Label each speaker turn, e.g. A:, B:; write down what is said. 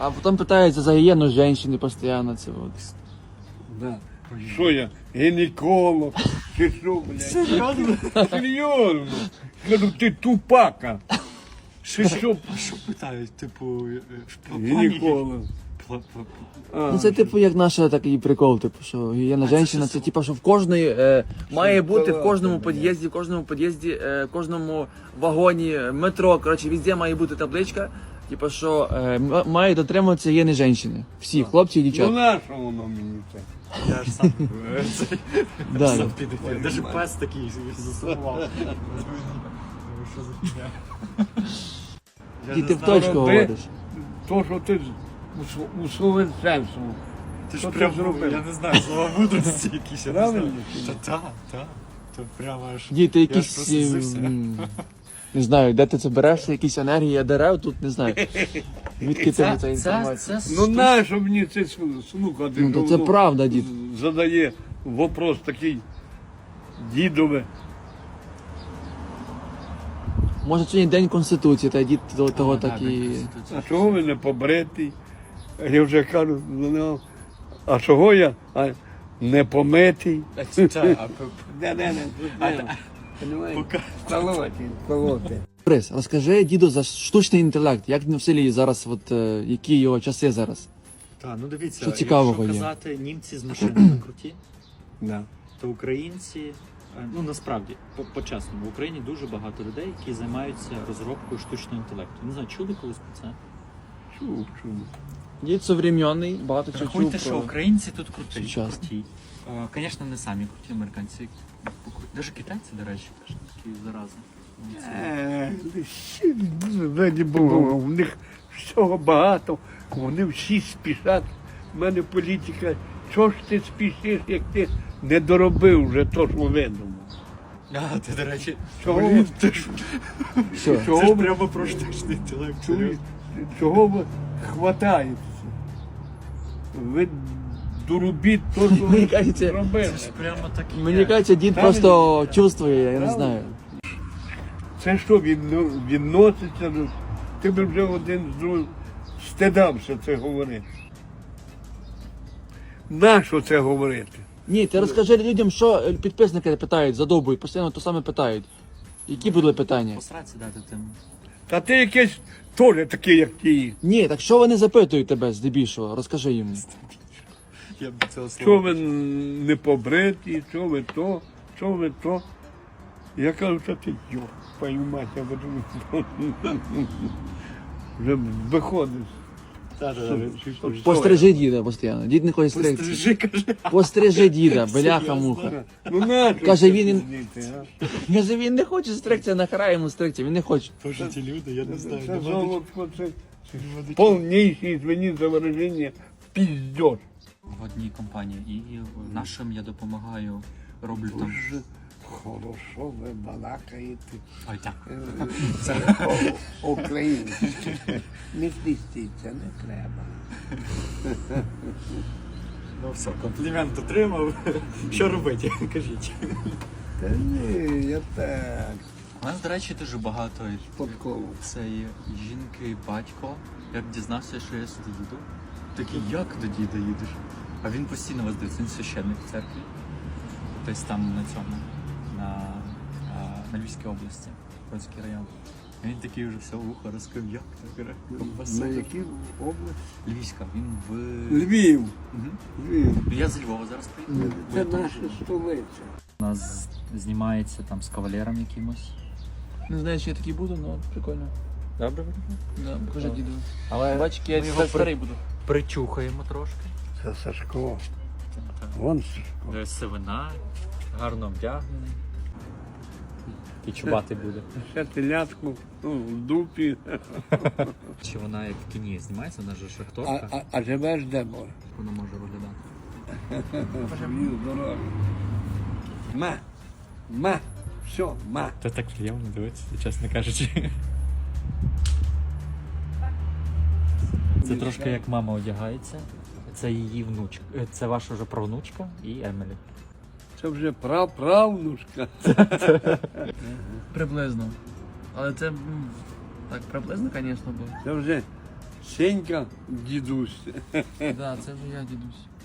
A: А потім питаються за гігієну жінки постійно. Це от.
B: Да. Що я, гінеколог, чи що, блядь?
C: Серйозно?
B: Серйозно. Кажу, ти тупака.
C: Що питають, типу,
B: Гінеколог.
A: Ну це типу як наша такий прикол, типу, що гігієна жінки, це типу, що в кожної має бути в кожному під'їзді, в кожному вагоні, метро, коротше, везде має бути табличка, типу, що має дотримуватися гігієни жінки. Всі, хлопці і
B: Ну
A: дівчата.
B: на що воно мені це?
C: Я ж сам
A: Да.
C: сам підефір. Даже пес такий засумував. Що за фігня? Я
A: І
C: не
A: ти в
C: знаю,
A: точку
B: роби.
A: говориш.
B: То, що ти усовершенствував.
C: Ти ж
B: Що ти
C: прям,
B: зробив?
C: я не знаю, слова мудрості якісь, я не знаю.
B: Правильно?
C: Та. То прямо аж...
A: Діти,
C: Я ж
A: якісь,
C: прослізився.
A: не знаю, де ти це береш, якісь енергії дерев, тут не знаю. Звідки ти ця інформація?
B: Ну на що мені це слухати?
A: Ну, то це
B: Воно
A: правда, дід.
B: Задає вопрос такий дідове.
A: Може сьогодні день Конституції, та дід того так і...
B: А чого ви не побритий? Я вже кажу до нього, а чого я не помитий? Колоти.
A: Борис, розкажи діду за штучний інтелект, як в селі зараз, от, які його часи зараз?
C: Так, ну дивіться,
A: Що цікавого
C: якщо
A: є?
C: казати німці з машинами круті,
B: Да.
C: то українці, ну насправді, по-чесному, в Україні дуже багато людей, які займаються розробкою штучного інтелекту. Не знаю, чули колись про це?
B: Чув.
A: Дід современний, багато чого чув
C: Рахуйте, що
A: про...
C: українці тут круті.
A: Сучасно.
C: Звісно, не самі круті американці. Навіть китайці, до речі, теж такі зарази.
B: Раді Бога, у них всього багато, вони всі спішать. У мене політика, чого ж ти спішиш, як ти не доробив вже то, що видумав?
C: А, ти, до речі,
B: Чого
C: блін,
B: ви-
C: ти ж,
A: Що?
C: це
B: Чого
C: ж
B: ви-
C: прямо про штучний інтелект. серйозно.
B: Чого ви хватаєтеся? Ви доробіть то, що
A: Мені
B: ви
A: кажеться,
B: зробили.
C: Це ж прямо так і
A: Мені
C: є.
A: кажеться, дід просто чувствує, я не знаю.
B: Це що, відноситься до... Ти б вже один з другим стидався це говорити. Нащо це говорити?
A: Ні, ти розкажи людям, що підписники питають, задовбують, постійно то саме питають. Які були питання?
C: Посраці дати тим.
B: Та ти якийсь теж такий, як ті.
A: Ні, так що вони запитують тебе здебільшого? Розкажи їм.
C: Я б цього
B: Що
C: слова.
B: ви не побриті, що ви то, що ви то. Я кажу, що ти йо, пою мать, я буду вже виходиш.
A: Пострижи діда постійно. Дід не хоче стригтися.
C: Пострижи, каже.
A: Пострижи діда, бляха муха.
B: Ну нащо
A: Каже,
B: це
A: він-
B: дзвонити, а?
A: Каже, він не хоче стригтися, нахера йому стригтися, він не хоче.
C: Тоже ті люди, я не знаю.
B: Це
C: нема
B: золотко, це
C: нічого.
B: повніший, извини за выражение, пиздеж.
C: В одній компанії і нашим я допомагаю, роблю там.
B: Дуже хорошо ви балакаєте
C: Ой, так.
B: українське. Не стістіться, не треба.
C: Ну все, комплімент отримав. Що робити? Кажіть.
B: Та ні, я так,
C: У нас, до речі, дуже багато
B: спадково.
C: цієї жінки, батько. Як дізнався, що я сюди їду. Такий, як до діда їдеш? А він постійно вас дивиться, він священник в церкві. Тобто там на цьому, на Львівській області, Бродський район. І він такий вже все вухо розкрив, як так
B: На якій області?
C: Львівська, він в...
B: Львів.
C: Мгм.
B: Львів.
C: Ну, я з Львова зараз приїхав. бо
B: Це
C: я там
B: наша
C: живу.
B: столиця.
C: У нас знімається там з кавалером якимось.
A: Не знаю, чи я такий буду, але прикольно.
C: Добре.
A: Да, покажи діду.
C: Але
A: Бачиш, я
C: ми його
A: старий буду.
C: причухаємо трошки.
B: Це Сашко. Вон Сашко.
C: Сивина, гарно вдягнений. І чубати буде.
B: Ще телятку, ну, в дупі.
C: Чи вона як в кіні знімається, вона ж шахторка,
B: А живеш де, бо?
C: вона може виглядати.
B: Живів здоров'я. Все,
C: Це так приємно дивитися, чесно кажучи. Це трошки як мама одягається. Це її внучка. Це ваша вже правнучка і Емілі.
B: Це вже правнушка.
A: Приблизно. Але це так приблизно, звісно, бо.
B: Це вже Сенька, дідусь.
A: Да, це вже я, дідусь.